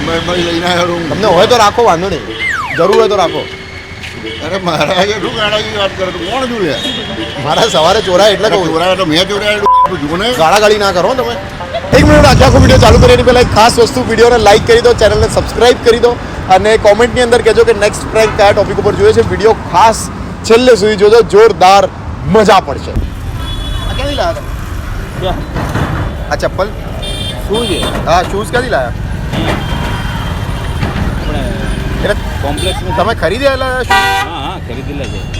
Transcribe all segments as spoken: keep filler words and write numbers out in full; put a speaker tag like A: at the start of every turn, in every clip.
A: ડીમાર્ટમાં લઈને આવ્યો.
B: તમને હોય તો રાખો, વાંધો નહીં, જરૂર હોય તો રાખો.
A: અરે મહારાજ શું ગાળાની વાત કરે તું? કોણ છું લે?
B: મારા સવારે ચોરાય એટલે કહું.
A: ચોરાય તો મેં ચોરાય જુઓ ને.
B: ગાળાગાળી ના કરો તમે. એક મિનિટ, આજે આખો વિડીયો ચાલુ કરીએ પહેલાં એક ખાસ વસ્તુ, વિડીયોને લાઇક કરી દો, ચેનલને સબસ્ક્રાઇબ કરી દો અને કોમેન્ટની અંદર કહેજો કે નેક્સ્ટ પ્રેન્ક કયા ટોપિક ઉપર જોઈએ છે. વિડીયો ખાસ છેલ્લે સુધી જોજો, જોરદાર મજા પડશે. આ ક્યાંથી લાવ્યા તમે? આ ચપ્પલ
C: શું છે?
B: હા, શૂઝ ક્યાંથી લાવ્યા? એટલે
C: કોમ્પ્લેક્સ
B: તમે ખરીદેલા શૂઝ?
C: હા હા ખરીદેલા છે.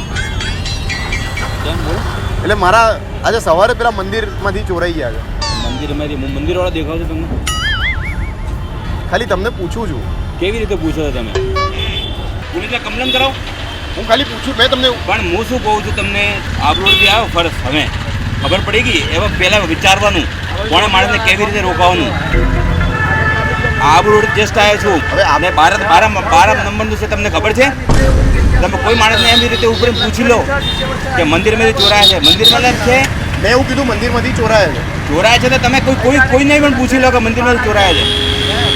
C: કેમ બોલ?
B: એટલે મારા આજે સવારે પેલા મંદિરમાંથી ચોરાઈ ગયા છે.
C: મંદિરમાંથી હું મંદિરવાળા દેખાવ છો તમને?
B: ખાલી તમને પૂછું છું.
C: કેવી રીતે પૂછો છો તમે? પોલીસને કમ્પ્લેન કરાવો.
B: હું ખાલી પૂછું, મેં તમને
C: પણ હું શું કહું છું તમને, આબરોડથી આવો ફરજ હવે ખબર પડી ગઈ. એવા પહેલાં વિચારવાનું કોણે માણસને કેવી રીતે રોકાવાનું. આબરોડ જસ્ટ આવ્યો છું. હવે આપણે બાર બાર બાર નંબરનું છે, તમને ખબર છે? તમે કોઈ માણસને એવી રીતે ઉપર પૂછી લો કે મંદિરમાંથી ચોરાયા છે. મંદિરમાં છે,
B: મેં એવું કીધું મંદિરમાંથી ચોરાયા છે.
C: ચોરાયા છે તો તમે કોઈ કોઈ કોઈને પણ પૂછી લો કે મંદિરમાંથી ચોરાયા છે.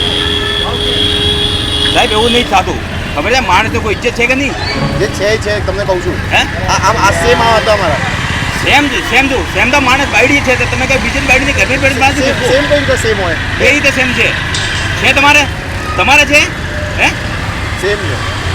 C: સાહેબ એવું નહીં થતું, ખબર છે? માણસ તો કોઈ ઇજ્જત છે કે નહીં?
B: જે છે એ છે, તમને કહું છું.
C: હે
B: આ આમ આ સેમ આ હતા અમારા.
C: સેમ છે, સેમ જો સેમ તો માણસ બાયડી છે તો તમે કઈ બીજી બાયડી ઘરની બાયડી માણસ
B: સેમ સેમ કઈ રીતે સેમ હોય?
C: એ રીતે સેમ છે. છે તમારે તમારે છે હે
B: સેમ છે,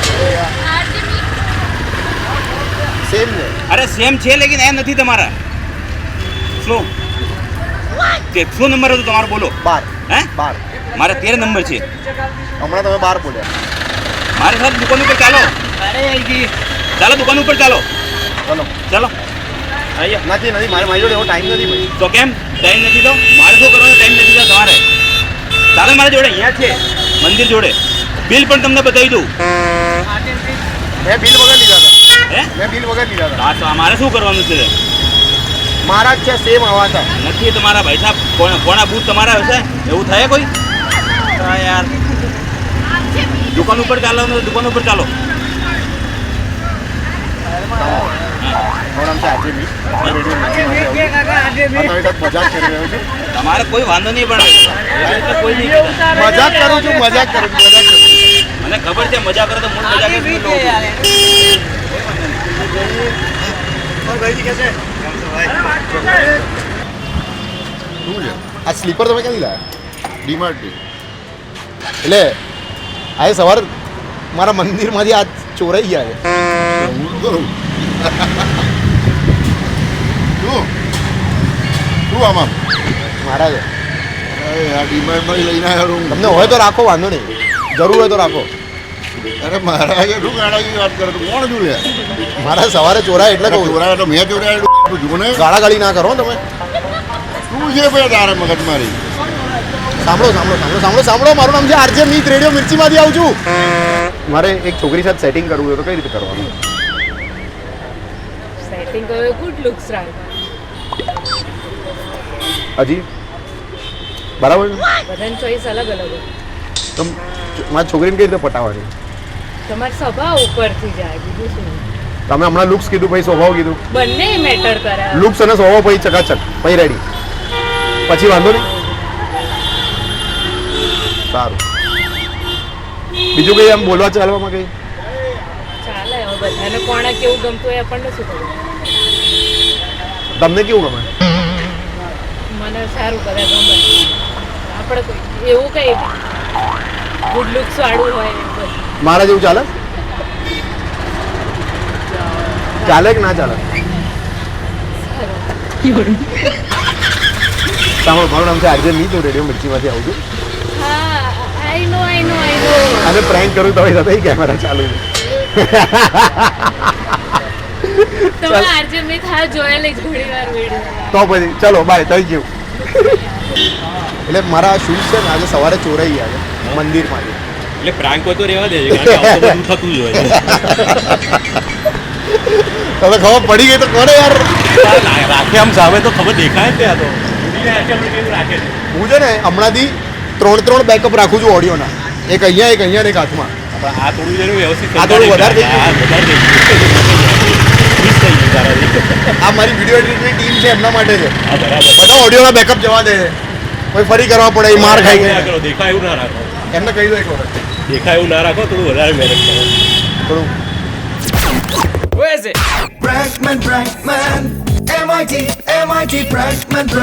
B: સેમ છે.
C: અરે સેમ છે લેકિન એ નથી તમારા. સ્લો તે શું નંબર હતો તમારો? બોલો.
B: બાર
C: હે
B: બાર
C: મારે તેર નંબર છે.
B: હમણાં તમે બાર બોલ્યા.
C: મારે સાથે દુકાન ઉપર ચાલો. ચાલો દુકાન ઉપર ચાલો.
B: ચલો
C: ચાલો આઈએ.
B: નથી નથી મારે મારી જોડે એવો ટાઈમ નથી ભાઈ.
C: તો કેમ ટાઈમ નથી? તો મારે શું કરવાનો ટાઈમ નથી? તો તમારે ચાલો મારી જોડે અહીંયા છે મંદિર જોડે. બિલ પણ તમને બતાવી દઉં.
B: મેં બિલ વગર લીધા હતા.
C: હે
B: મેં બિલ વગર લીધા હતા.
C: હા તો મારે શું કરવાનું છે?
B: મારા જ છે, સેમ આવા હતા.
C: નથી તમારા ભાઈ સાહેબ. કોણ કોણા બૂથ તમારા હશે? એવું થાય કોઈ? હા યાર, દુકાન ઉપર ચાલો ને, દુકાન ઉપર ચાલો.
B: મારું નામ છે આરજે. મજાક કરી રહ્યો છું.
C: તમારે કોઈ વાંધો નહીં, પણ એવી રીતે કોઈ નહીં કહેતા.
B: મજાક કરું છું, મજાક કરું છું, મજાક કરું છું.
C: મને ખબર છે મજા કરો તો મૂળ મજા કરી
B: શું છે આ સ્લીપર તમે ક્યાંથી લાવ્યા?
A: ડીમાર્ટથી.
B: એટલે આજે સવાર મારા મંદિરમાંથી આ ચોરાઈ ગયા છે.
A: હું શું કરું? શું શું આમાં?
B: મારા છે.
A: અરે આ ડીમાર્ટમાં લઈને આવ્યો.
B: તમને હોય તો રાખો, વાંધો નહીં, જરૂર હોય તો રાખો.
A: અરે મહારાજ શું ગાળાની વાત કરે તું? કોણ છું લે?
B: મારા સવારે ચોરાય એટલે કહું.
A: ચોરાય તો મેં ચોરાય જુઓ ને.
B: ગાળાગાળી ના કરો તમે.
A: શું છે ભાઈ તારે મગજ મારી?
B: સાંભળો સાંભળો સાંભળો સાંભળો સાંભળો મારું નામ છે આરજે મીત, રેડિયો મિર્ચીમાંથી આવું છું. મારે એક છોકરી સાથે સેટિંગ કરવું હોય તો કઈ રીતે કરવાનું?
D: સેટિંગ કરો, ગુડ લુક્સ રાખો.
B: હજી બરાબર છે?
D: બધાની ચોઈસ અલગ અલગ હોય.
B: તો મારી છોકરીને કઈ રીતે પટાવવાની?
D: તમારી સ્વભાવ ઉપરથી જાય, બીજું શું?
B: તમે હમણાં લુક્સ કીધું, પછી સ્વભાવ કીધું.
D: બંને મેટર કરે.
B: લુક્સ અને સ્વભાવ પછી ચકાચક, પછી રેડી, પછી વાંધો નહીં. સારું, બીજું કઈ આમ બોલવા ચાલવામાં કઈ?
D: ચાલે, હવે બધાને કોણે કેવું ગમતું હોય આપણને શું ખબર?
B: તમને કેવું ગમે?
D: મને સારું કરે, ગમે. આપણે કોઈ એવું કઈ ગુડ લુક્સ વાળું હોય બસ.
B: મારા જેવું ચાલે? ચાલે કે ના ચાલે? સાંભળો, મારું નામ છે આરજે મીત, હું રેડિયો મિર્ચીમાંથી આવું છું.
D: હા, આઈ નો આઈ નો આઈ નો.
B: અને પ્રેન્ક કરું તો સાથે કેમેરા ચાલુ છે.
D: તમે આરજે મેં થા જોયેલી જ ઘણી વાર વિડીયો.
B: તો પછી ચલો બાય, થઈ ગયું. એટલે મારા શૂઝ છે ને આજે સવારે ચોરાઈ ગયા છે મંદિરમાંથી.
C: એટલે પ્રાંક હોય તો રહેવા દેજે, કારણ કે આવું બધું થતું જ હોય છે.
B: તમે ખબર પડી ગઈ તો કોને યાર
C: રાખે આમ સામે તો ખબર દેખાય જ ત્યાં તો. રાખે છે
B: હું છે ને હમણાંથી ત્રણ ત્રણ બેકઅપ રાખું છું ઓડિયોના. એક અહીંયા, એક અહીંયા ને એક હાથમાં.
C: આ થોડું જેનું વ્યવસ્થિત
B: આ થોડું વધારે થઈ ગયું.
C: હા, વધારે થઈ ગયું. મિસ થઈ ગયું તારાથી.
B: આ મારી વિડીયો એડિટની ટીમ છે, એમના માટે છે.
C: હા બરાબર.
B: બધા ઓડિયોના બેકઅપ જવા દે છે, કોઈ ફરી કરવા પડે, એ માર ખાઈ ગઈ.
C: દેખાય એવું ના રાખો.
B: એમને કહી દો એક વખત
E: દેખાય એવું ના રાખો, થોડું વધારે મહેનત કરો.
B: થોડું
C: Where is it?
F: Prankman, Prankman, M I T, M I T, Prankman, Prankman.